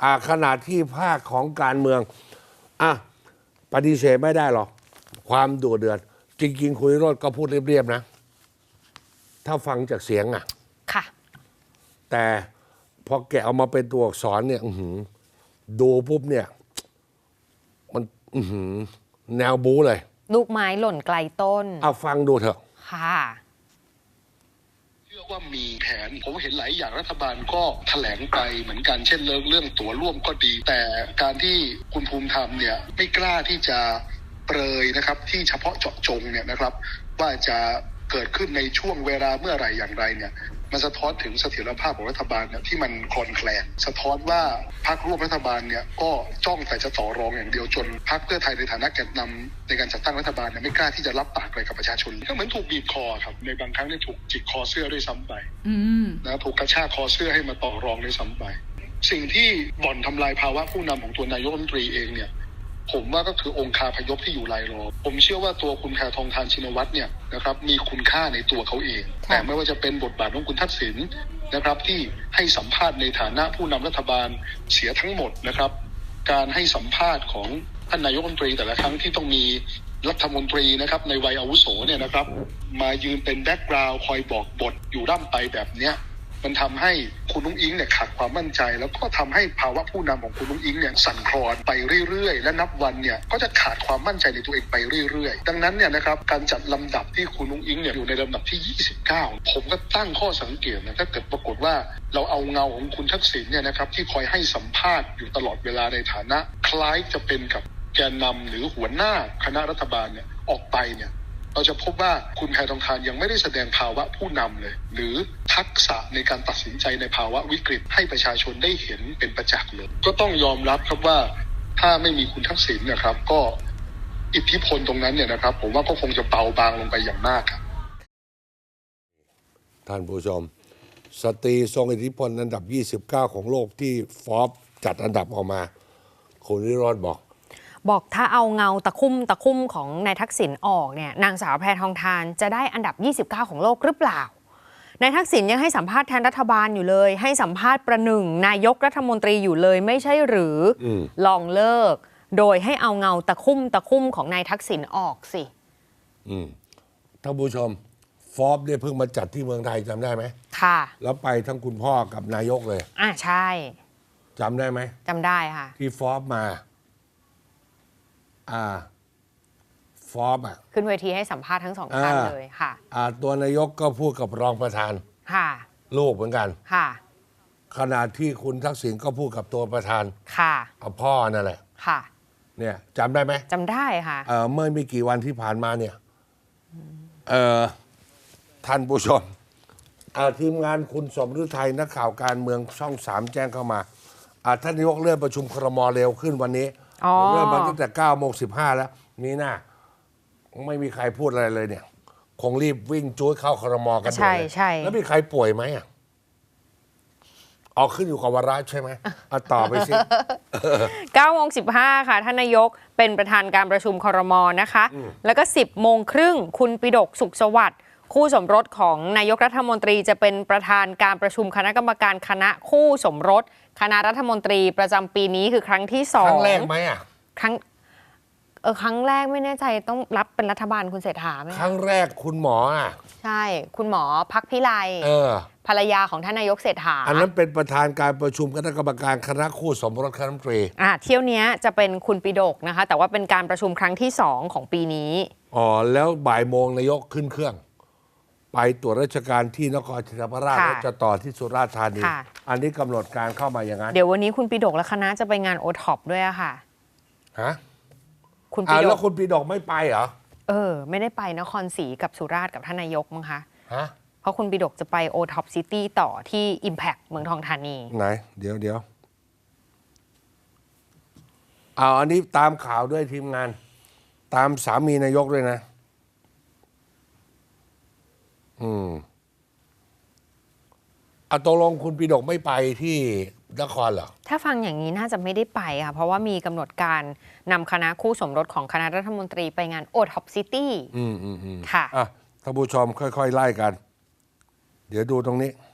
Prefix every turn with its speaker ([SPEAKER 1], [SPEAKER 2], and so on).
[SPEAKER 1] ขณะที่ภาคของการเมืองปฏิเสธไม่ได้หรอกความดุเดือดจริงๆคุณวิโรจน์ก็พูดเรียบๆนะถ้าฟังจากเสียง
[SPEAKER 2] ค่ะ
[SPEAKER 1] แต่พอแกะเอามาเป็นตัวอักษรเนี่ยดูปุ๊บเนี่ยมันแนวบู๊เลย
[SPEAKER 2] ลูกไม้หล่นไกลต้น
[SPEAKER 1] ฟังดูเถอะ
[SPEAKER 2] ค่ะ
[SPEAKER 3] เชื่อว่ามีแผนผมเห็นหลายอย่างรัฐบาลก็แถลงไปเหมือนกันเช่นเรื่องตั๋วร่วมก็ดีแต่การที่คุณภูมิธรรมเนี่ยไม่กล้าที่จะเปรยนะครับที่เฉพาะเจาะจงเนี่ยนะครับว่าจะเกิดขึ้นในช่วงเวลาเมื่อไหร่อย่างไรเนี่ยมันสะท้อนถึงเสถียรภาพของรัฐบาลเนี่ยที่มันคลอนแคลนสะท้อนว่าพรรคร่วมรัฐบาลเนี่ยก็จ้องแต่จะต่อรองอย่างเดียวจนพรรคเพื่อไทยในฐานะแกนนำในการจัดตั้งรัฐบาลเนี่ยไม่กล้าที่จะรับปากอะไรกับประชาชนก็เหมือนถูกบีบคอครับในบางครั้งเนี่ยถูกจิกคอเสื้อด้วยซ้ำไปนะถูกกระชากคอเสื้อให้มาต่อรองด้วยซ้ำไปสิ่งที่บ่อนทำลายภาวะผู้นำของตัวนายกรัฐมนตรีเองเนี่ยผมว่าก็คือองค์คาพยพที่อยู่รายล้อมผมเชื่อว่าตัวคุณแพทองธารชินวัตรเนี่ยนะครับมีคุณค่าในตัวเขาเองแต่ไม่ว่าจะเป็นบทบาทของคุณทักษิณนะครับที่ให้สัมภาษณ์ในฐานะผู้นำรัฐบาลเสียทั้งหมดนะครับการให้สัมภาษณ์ของท่านนายกรัฐมนตรีแต่ละครั้งที่ต้องมีรัฐมนตรีนะครับในวัยอาวุโสเนี่ยนะครับมายืนเป็นแบ็กกราวด์คอยบอกบทอยู่ร่ำไปแบบเนี้ยมันทำให้คุณนุ้งอิงเนี่ยขาดความมั่นใจแล้วก็ทำให้ภาวะผู้นำของคุณนุ้งอิงเนี่ยสั่นคลอนไปเรื่อยๆและนับวันเนี่ยก็จะขาดความมั่นใจในตัวเองไปเรื่อยๆดังนั้นเนี่ยนะครับการจัดลำดับที่คุณนุ้งอิงเนี่ยอยู่ในลำดับที่29ผมก็ตั้งข้อสังเกตนะถ้าเกิดปรากฏว่าเราเอาเงาของคุณทักษิณเนี่ยนะครับที่คอยให้สัมภาษณ์อยู่ตลอดเวลาในฐานะคล้ายจะเป็นกับแกนนำหรือหัวหน้าคณะรัฐบาลเนี่ยออกไปเนี่ยเราจะพบว่าคุณแพทองธารยังไม่ได้แสดงภาวะผู้นำเลยหรือทักษะในการตัดสินใจในภาวะวิกฤตให้ประชาชนได้เห็นเป็นประจักษ์เลยก็ต้องยอมรับครับว่าถ้าไม่มีคุณทักษิณนะครับก็อิทธิพลตรงนั้นเนี่ยนะครับผมว่าก็คงจะเบาบางลงไปอย่างมากครับ
[SPEAKER 1] ท่านผู้ชมสตรีทรงอิทธิพลอันดับ29ของโลกที่ฟอร์บจัดอันดับออกมาคุณวิโรจน์บอก
[SPEAKER 2] ถ้าเอาเงาตะคุ่มของนายทักษิณออกเนี่ยนางสาวแพทองธารจะได้อันดับ29ของโลกหรือเปล่านายทักษิณยังให้สัมภาษณ์แทนรัฐบาลอยู่เลยให้สัมภาษณ์ประหนึ่งนายกรัฐมนตรีอยู่เลยไม่ใช่หรือลองเลิกโดยให้เอาเงาตะคุ่มของนายทักษิณออกสิ
[SPEAKER 1] ท่านผู้ชมฟอร์บเนี่ยเพิ่งมาจัดที่เมืองไทยจำได้ไหม
[SPEAKER 2] ค่ะ
[SPEAKER 1] แล้วไปทั้งคุณพ่อกับนายกเลย
[SPEAKER 2] ใช่
[SPEAKER 1] จำได้ไหม
[SPEAKER 2] จำได้ค่ะ
[SPEAKER 1] ที่ฟอร์บมาฟอร์บ
[SPEAKER 2] ขึ้นเวทีให้สัมภาษณ์ทั้งสองท่านเลยค่ะ
[SPEAKER 1] ตัวนายกก็พูดกับรองประธาน
[SPEAKER 2] ค่ะ
[SPEAKER 1] ลูกเหมือนกัน
[SPEAKER 2] ค่ะ
[SPEAKER 1] ขณะที่คุณทักษิณก็พูดกับตัวประธาน
[SPEAKER 2] ค่ะ
[SPEAKER 1] พ่อนั่นแหละ
[SPEAKER 2] ค่ะ
[SPEAKER 1] เนี่ยจำได้ไหม
[SPEAKER 2] จำได้ค่ะ
[SPEAKER 1] เมื่อไม่กี่วันที่ผ่านมาเนี่ยท่านผู้ชมทีมงานคุณสมฤทัยนักข่าวการเมืองช่อง3แจ้งเข้ามาท่านนายกเลื่อนประชุมครม.เร็วขึ้นวันนี้เริ่มมาตั้งแต่9:15แล้วนี่นะไม่มีใครพูดอะไรเลยเนี่ยคงรีบวิ่งจู๊ดเข้าครม.กันเลย
[SPEAKER 2] ใช่
[SPEAKER 1] แล้วมีใครป่วยไหมขึ้นอยู่กับวาระใช่ไหมต่อไปสิ
[SPEAKER 2] 9:15ค่ะท่านนายกเป็นประธานการประชุมครม.นะคะแล้วก็10:30คุณปิฎกสุขสวัสดิ์คู่สมรสของนายกรัฐมนตรีจะเป็นประธานการประชุมคณะกรรมการคณะคู่สมรสคณะรัฐมนตรีประจำปีนี้คือครั้งที่2
[SPEAKER 1] ครั้งแรกไหม
[SPEAKER 2] ครั้งแรกไม่แน่ใจต้องรับเป็นรัฐบาลคุณเศรษฐาไหม
[SPEAKER 1] ครั้งแรกคุณหมอ
[SPEAKER 2] ใช่คุณหมอพักพิไลภรรยาของท่านนายกเศรษฐา
[SPEAKER 1] อันนั้นเป็นประธานการประชุมคณะกรรมการคณะคู่สมรสคณะรัฐมนตรี
[SPEAKER 2] เที่ยวนี้จะเป็นคุณปิฎกนะคะแต่ว่าเป็นการประชุมครั้งที่2ของปีนี้
[SPEAKER 1] แล้วบ่ายโมงนายกขึ้นเครื่องไปตรวจราชการที่นครศรีธรรมราชแล้วจะต่อที่สุราษฎร์ธานีอันนี้กำหนดการเข้ามาอย่างนั้น
[SPEAKER 2] เดี๋ยววันนี้คุณปิฎกและคณะจะไปงานโอท็อปด้วยค่ะ
[SPEAKER 1] คุณปิฎกแล้วคุณปิฎกไม่ไปเหรอ
[SPEAKER 2] ไม่ได้ไปนครศรีกับสุราษฎร์กับท่านนายกมั้งคะเพราะคุณปิฎกจะไปโอท็อปซิตี้ต่อที่ Impact เมืองทองธานี
[SPEAKER 1] ไหนเดี๋ยวอันนี้ตามข่าวด้วยทีมงานตามสามีนายกด้วยนะตกลงคุณปิฎกไม่ไปที่นครเหรอ
[SPEAKER 2] ถ้าฟังอย่างนี้น่าจะไม่ได้ไปค่ะเพราะว่ามีกำหนดการนำคณะคู่สมรสของคณะรัฐมนตรีไปงานโอท็อปซิตี้
[SPEAKER 1] ค่ะท่านผู้ชมค่อยๆไล่กันเดี๋ยวดูตรงนี้